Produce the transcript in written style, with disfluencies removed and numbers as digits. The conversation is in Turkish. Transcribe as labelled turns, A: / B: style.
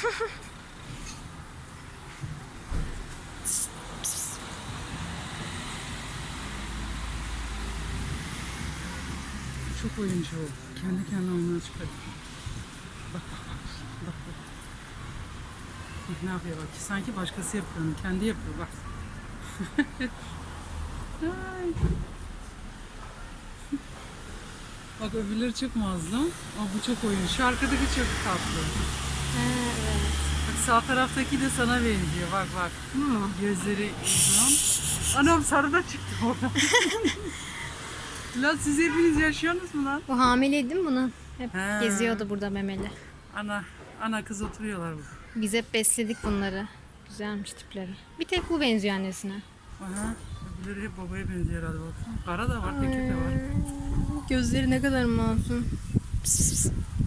A: Çok oyuncu o. Kendi kendine oyununa çıkıyor. Bak bak bak. Bak bak. Bak ne yapıyor bak. Sanki başkası yapıyor onu. Kendi yapıyor bak. Ay. Bak öbürleri çok mazlum. Ama bu çok oyun. Şu arkadaki çok tatlı.
B: Evet.
A: Bak sağ taraftaki de sana benziyor. Bak bak. Gözleri uzun. Anam sarı da çıktı oradan. Lan siz hepiniz yaşıyorsunuz mu lan?
B: Bu hamileydi değil mi bunu? Hep
A: He.
B: geziyordu burada memeli.
A: Ana kız oturuyorlar burada.
B: Biz hep besledik bunları. Güzelmiş tipleri. Bir tek bu benziyor annesine.
A: Aha. Öbürleri hep babaya benziyor herhalde baksana. Kara da var, tekir de var.
B: Gözleri ne kadar masum. Pıs pıs.